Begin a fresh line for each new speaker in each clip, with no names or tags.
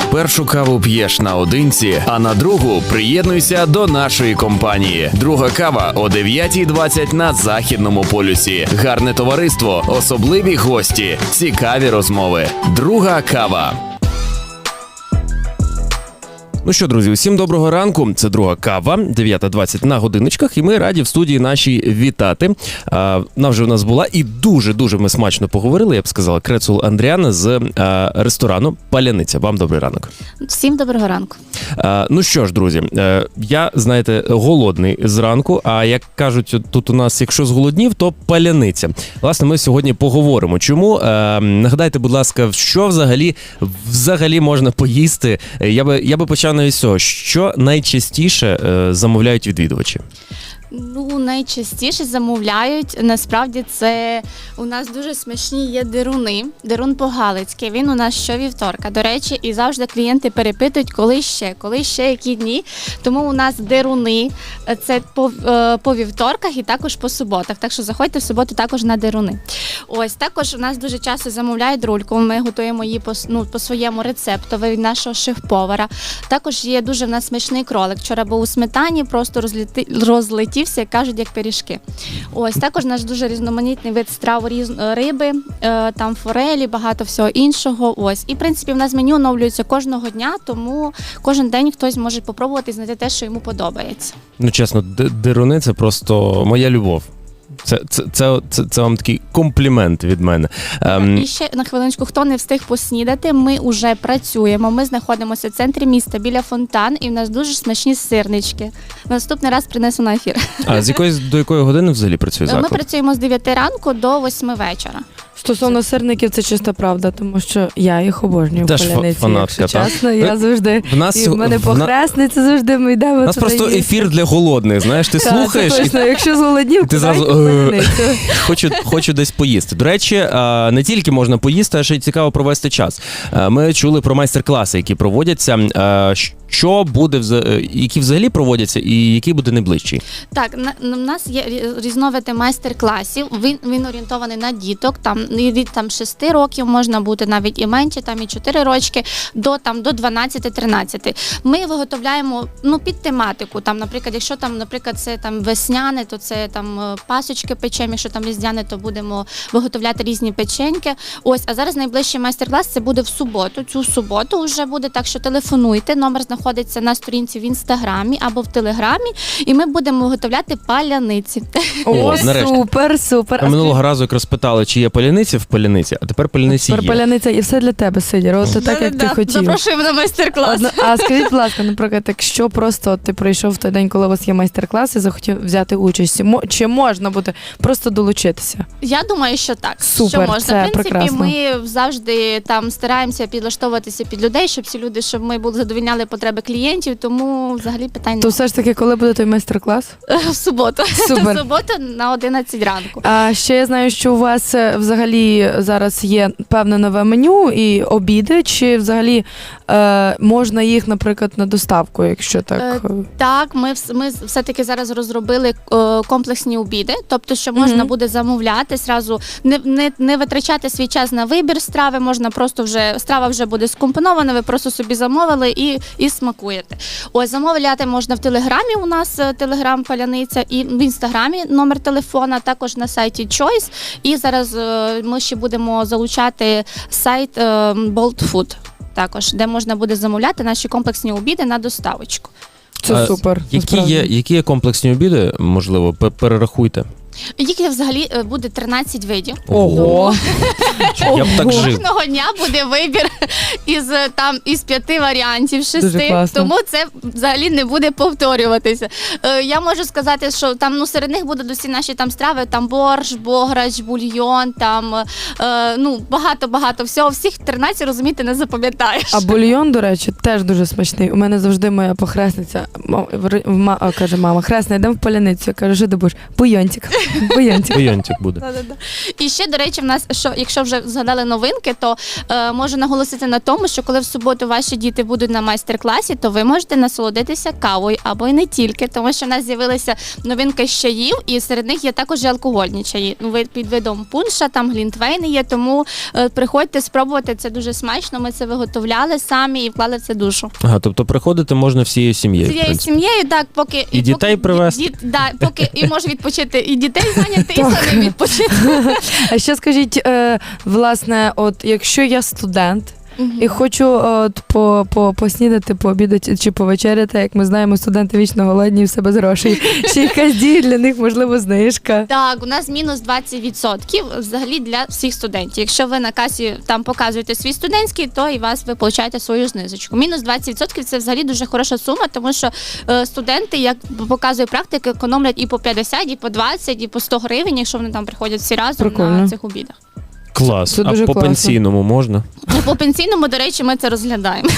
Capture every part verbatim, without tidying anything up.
Першу каву п'єш наодинці, а на другу приєднуйся до нашої компанії. Друга кава о дев'ятій двадцять на Західному полюсі. Гарне товариство, особливі гості, цікаві розмови. Друга кава. Ну що, друзі, усім доброго ранку. Це друга кава, дев'ята двадцять на годиночках, і ми раді в студії нашій вітати. А, вона вже у нас була і дуже-дуже ми смачно поговорили, я б сказала, Крецул Андріана з а, ресторану «Паляниця». Вам добрий ранок.
Всім доброго ранку.
А, ну що ж, друзі, а, я, знаєте, голодний зранку, а як кажуть тут у нас, якщо зголоднів, то паляниця. Власне, ми сьогодні поговоримо. Чому? А, нагадайте, будь ласка, що взагалі, взагалі можна поїсти? Я би, я би почав навіть з цього, що найчастіше е, замовляють відвідувачі?
Ну, найчастіше замовляють, насправді, це у нас дуже смачні є деруни. Дерун по-галицьки, він у нас щовівторка. До речі, і завжди клієнти перепитують, коли ще, коли ще, які дні. Тому у нас деруни, це по, по вівторках і також по суботах. Так що заходьте в суботу також на деруни. Ось, також у нас дуже часто замовляють рульку, ми готуємо її по, ну, по своєму рецепту від нашого шеф-повара. Також є дуже в нас смачний кролик. Вчора був у сметані, просто розліти, розлетів, як кажуть, як пиріжки. Ось, також наш дуже різноманітний вид страв різ... риби, е, там форелі, багато всього іншого. Ось. І, в принципі, в нас меню оновлюється кожного дня, тому кожен день хтось може попробувати знайти те, що йому подобається.
Ну, чесно, деруни – це просто моя любов. Це, це, це, це, це вам такий комплімент від мене. Ем...
І ще на хвилиночку, хто не встиг поснідати, ми вже працюємо. Ми знаходимося в центрі міста біля фонтан, і в нас дуже смачні сирнички. Наступний раз принесу на ефір.
А з якої, до якої години взагалі працює заклад?
Ми працюємо з дев'яти ранку до восьми вечора.
Стосовно сирників, це чиста правда, тому що я їх обожнюю в Паляниці,
фанатка,
якщо чесно. Я завжди,
в нас,
і в мене
в
похресниця завжди ми йдемо.
У нас просто
їсти.
ефір для голодних, знаєш, ти
Так,
слухаєш.
це точно.
І...
Якщо зголоднів,
ти зразу хочу, хочу десь поїсти. До речі, не тільки можна поїсти, а ще й цікаво провести час. Ми чули про майстер-класи, які проводяться. Що буде, які взагалі проводяться і який буде найближчий?
Так, на, у нас є різновиди майстер-класів, він, він орієнтований на діток, там від там, шести років можна бути навіть і менше, там і чотири рочки, до, там, до дванадцяти-тринадцяти. Ми виготовляємо ну, під тематику, там, наприклад, якщо там, наприклад, це там, весняне, то це там, пасочки печемо, якщо там різдвяне, то будемо виготовляти різні печеньки. Ось, а зараз найближчий майстер-клас це буде в суботу, цю суботу вже буде, так що телефонуйте, номер знаходиться на сторінці в Інстаграмі або в Телеграмі, і ми будемо виготовляти паляниці.
О, супер, супер.
А минулого разу якраз питали, чи є паляниці в Паляниці, а тепер Паляниці є.
Тепер Паляниця і все для тебе, Сидір, от так, як ти хотів.
Запрошуємо на майстер-клас.
А скажіть, будь ласка, наприклад, якщо просто ти прийшов в той день, коли у вас є майстер-клас і захотів взяти участь, чи можна буде просто долучитися?
Я думаю, що так.
Супер,
що можна.
це
в принципі,
прекрасно.
Ми завжди там стараємося підлаштовуватися під людей, щоб ці люди, щоб ми були задовільняли потреби клієнтів, тому взагалі питань
То все ж таки, коли буде той майстер-клас?
В суботу.
Супер.
В суботу на одинадцять ранку.
А ще я знаю, що у вас взагалі зараз є певне нове меню і обіди, чи взагалі е, можна їх, наприклад, на доставку, якщо так?
Е, так, ми, ми все-таки зараз розробили е, комплексні обіди, тобто, що можна mm-hmm. буде замовляти, зразу не, не, не витрачати свій час на вибір страви, можна просто вже, страва вже буде скомпонована, ви просто собі замовили і, і смакуєте. Ось, замовляти можна в Телеграмі, у нас Телеграм Паляниця, і в Інстаграмі номер телефона, також на сайті Choice, і зараз е, ми ще будемо залучати сайт е, Bolt Food, також, де можна буде замовляти наші комплексні обіди на доставочку.
Це
а,
супер.
Які є, які є комплексні обіди, можливо, перерахуйте?
Їх взагалі буде тринадцять видів.
Ого!
Я б так жив.
Кожного дня буде вибір із, там, із п'яти варіантів, шести, тому це взагалі не буде повторюватися. Е, я можу сказати, що там ну, серед них будуть усі наші там страви, там борщ, бограч, бульйон, там е, ну, багато-багато всього. Всіх тринадцять, розумієте, не запам'ятаєш.
А бульйон, до речі, теж дуже смачний. У мене завжди моя похресниця, ма, каже, мама, хресна, йдемо в Паляницю. Я кажу, що ти будеш? Бульйончик. Бульйончик.
Бульйончик буде.
І ще, до речі, в нас, що, якщо вже згадали новинки, то е, можу наголосити на тому, що коли в суботу ваші діти будуть на майстер-класі, то ви можете насолодитися кавою або й не тільки, тому що в нас з'явилися новинки з чаїв, і серед них є також і алкогольні чаї. Ну, ви під видом пунша, там глінтвейни є, тому е, приходьте спробувати, це дуже смачно. Ми це виготовляли самі і вклали в це душу.
Ага, тобто приходити можна всією сім'єю. в
Цією
принципі.
сім'єю, так, поки
І дітей
поки,
привезти.
Діт, да, поки і може відпочити і дітей зайняти, і самі відпочити.
А ще скажіть, е, власне, от якщо я студент, і хочу от, по, по, поснідати, пообідати чи повечеряти, як ми знаємо, студенти вічно голодні, все без грошей. Чи якась діє для них, можливо, знижка?
Так, у нас мінус двадцять відсотків взагалі для всіх студентів. Якщо ви на касі там показуєте свій студентський, то і вас ви получаєте свою знижечку. Мінус двадцять відсотків це взагалі дуже хороша сума, тому що е, студенти, як показує практика, економлять і по п'ятдесят, і по двадцять, і по сто гривень, якщо вони там приходять всі разом
Прикольно.
на цих обідах.
Клас.
Це
А
дуже
по
класно.
пенсійному можна?
Ну, по пенсійному, до речі, ми це розглядаємо.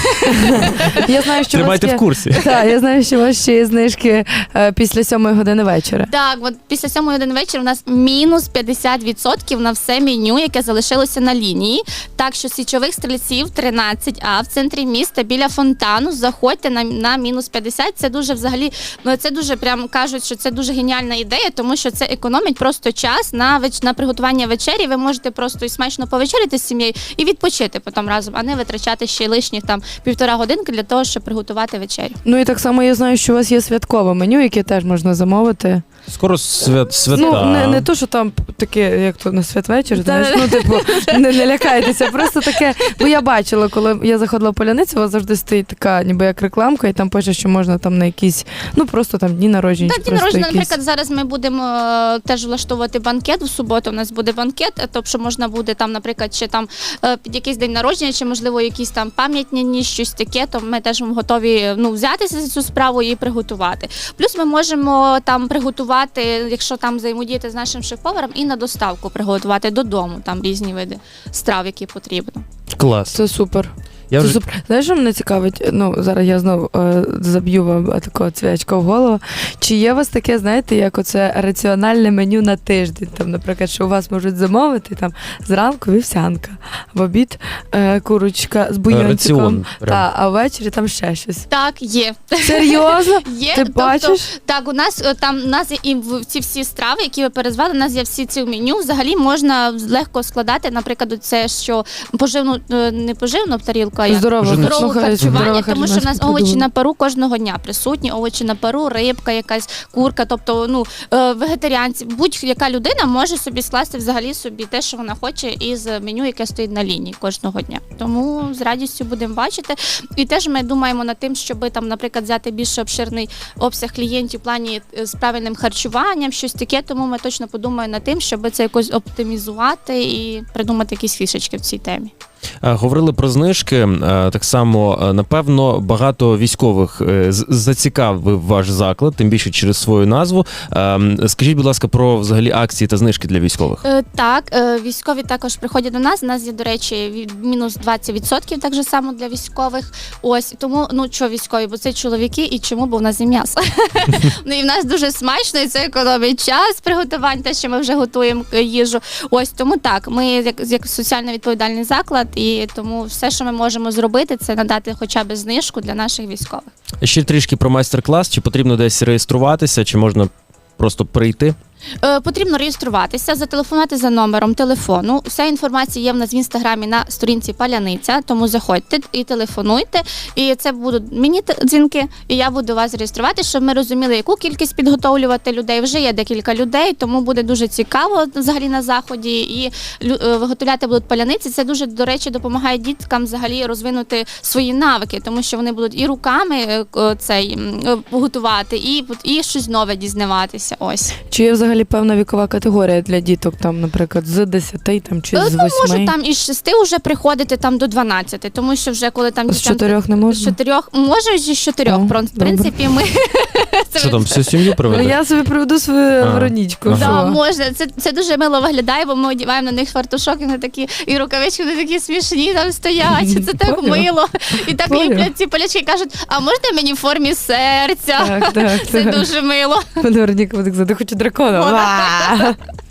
Я знаю, що у вас
Тримайте
є...
в курсі.
Так, я знаю, що у вас ще є знижки е, після сьомої години вечора.
Так, от після сьомої години вечора у нас мінус п'ятдесят відсотків на все меню, яке залишилося на лінії. Так що січових стрільців тринадцять А в центрі міста біля фонтану. Заходьте на, на мінус п'ятдесят. Це дуже взагалі, ну це дуже прям кажуть, що це дуже геніальна ідея, тому що це економить просто час на веч... на приготування вечері. Ви можете просто і смачно повечеряти з сім'єю і відпочити потім разом, а не витрачати ще й лишніх там півтора годинки для того, щоб приготувати вечерю.
Ну і так само я знаю, що у вас є святкове меню, яке теж можна замовити.
Скоро свят, свята.
Ну, не, не то, що там таке, як то на святвечір,
Та-
знаєш, ну, типу, не, не лякайтеся, просто таке, бо я бачила, коли я заходила в Поляницю, у вас завжди стоїть така, ніби як рекламка, і там пише, що можна там на якісь, ну, просто там дні народження.
Так,
чи
дні
просто
народження,
якісь...
наприклад, зараз ми будемо е, теж влаштовувати банкет в суботу. У нас буде банкет, е, тобто можна буде там, наприклад, чи там е, під якийсь день народження, чи можливо якісь там пам'ятні дні, щось таке, то ми теж готові ну взятися за цю справу і приготувати. Плюс ми можемо там приготувати, якщо там взаємодіяти з нашим шеф-поваром, і на доставку приготувати додому там різні види страв, які потрібно.
Клас.
Це супер.
Я
Це
вже...
супер. Знаєш, що мене цікавить? Ну, зараз я знову е, заб'ю вам е, такого цвячка в голову. Чи є у вас таке, знаєте, як оце раціональне меню на тиждень? Там, наприклад, що у вас можуть замовити там зранку вівсянка, в обід е, курочка з бульйончиком,
Раціон. прям.
та, а ввечері там ще щось.
Так, є.
Серйозно?
Є,
Ти
тобто,
бачиш?
Так, у нас е, там у нас є і в- ці всі страви, які ви перезвали, у нас є всі ці в меню. Взагалі можна легко складати, наприклад, це що поживну, е, не поживну тарілку, а як
Здорово.
Вже не-
здорове
Слухай,
харчування,
здорове
тому що в нас
харчування
овочі
придумала.
на пару кожного дня присутні, овочі на пару, рибка, якась курка. Тобто, ну е, вегетаріанці, будь-яка людина може собі скласти взагалі собі те, що вона хоче, із меню, яке стоїть на лінії кожного дня. Тому з радістю будемо бачити. І теж ми думаємо над тим, щоб там, наприклад, взяти більш обширний обсяг клієнтів в плані е, з правильним харчуванням, щось таке. Тому ми точно подумаємо над тим, щоб це якось оптимізувати і придумати якісь фішечки в цій темі.
Е, Говорили про знижки. Е, Так само, е, напевно, багато військових е, з- зацікавив ваш заклад, тим більше через свою назву. Е, Скажіть, будь ласка, про взагалі акції та знижки для військових.
Е, Так, е, військові також приходять до нас. У нас є, до речі, від- мінус двадцять відсотків так же само для військових. Ось тому, ну що військові, бо це чоловіки, і чому? Бо в нас є м'ясо. Ну і в нас дуже смачно, і це економить час приготувань, те, що ми вже готуємо е, їжу. Ось тому так. Ми як, як соціально відповідальний заклад, і тому все, що ми можемо зробити, це надати хоча б знижку для наших військових.
Ще трішки про майстер-клас. Чи потрібно десь реєструватися, чи можна просто прийти?
Е, Потрібно реєструватися, зателефонувати за номером телефону. Вся інформація є в нас в інстаграмі на сторінці Паляниця, тому заходьте і телефонуйте. І це будуть мені т- дзвінки, і я буду вас реєструвати, щоб ми розуміли, яку кількість підготовлювати людей. Вже є декілька людей, тому буде дуже цікаво взагалі на заході. І лю- е, виготовляти будуть паляниці. Це дуже, до речі, допомагає діткам взагалі розвинути свої навики, тому що вони будуть і руками е, к- цей м, е, готувати, і, і щось нове дізнаватися. Ось.
Чи є взагалі певна вікова категорія для діток, там, наприклад, з десяти там, чи
Е,
з
Ну, може
восьми?
там із шести вже приходити там до дванадцяти, тому що вже коли там
З
дітям-
чотирьох не
з
можна?
чотирьох, може і з чотирьох.
О,
Про- В принципі, ми це
Що там, всю сім'ю
Ну,
приведе?
я собі приведу свою
А.
Веронічку.
Ага.
да,
що?
можна. Це, це дуже мило виглядає, бо ми одягаємо на них фартушок, і вони такі, і рукавички вони такі смішні там стоять. Це так
Поняла.
мило. І так
Поняла.
ліплять ці полячки, кажуть, а можна мені в формі серця?
Так, так,
Це
так.
дуже мило.
Вероніка буде казати, хочу дракона.
О,
Ва!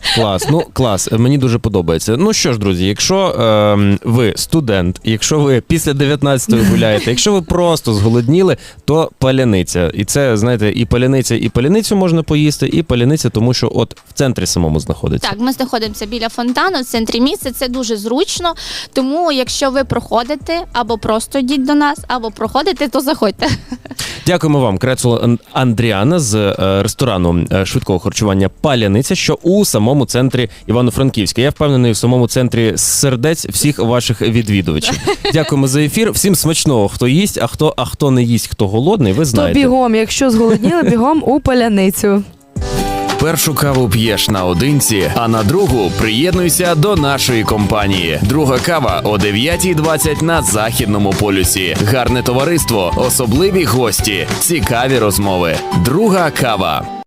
Клас, ну клас, мені дуже подобається. Ну що ж, друзі, якщо е, ви студент, якщо ви після дев'ятнадцятої гуляєте, якщо ви просто зголодніли, то паляниця. І це, знаєте, і паляниця, і паляницю можна поїсти, і паляниця, тому що от в центрі самому знаходиться.
Так, ми знаходимося біля фонтану, в центрі міста, це дуже зручно, тому якщо ви проходите, або просто йдіть до нас, або проходите, то заходьте.
Дякуємо вам, Крецул Андріана з е, ресторану е, швидкого харчування «Паляниця», що у самому центрі Івано-Франківська. Я впевнений, в самому центрі сердець всіх ваших відвідувачів. Дякуємо за ефір. Всім смачного, хто їсть, а хто, а хто не їсть, хто голодний, ви
То
знаєте.
бігом, якщо зголодніли, бігом у паляницю.
Першу каву п'єш наодинці, а на другу приєднуйся до нашої компанії. Друга кава о дев'ятій двадцять на Західному полюсі. Гарне товариство, особливі гості, цікаві розмови. Друга кава.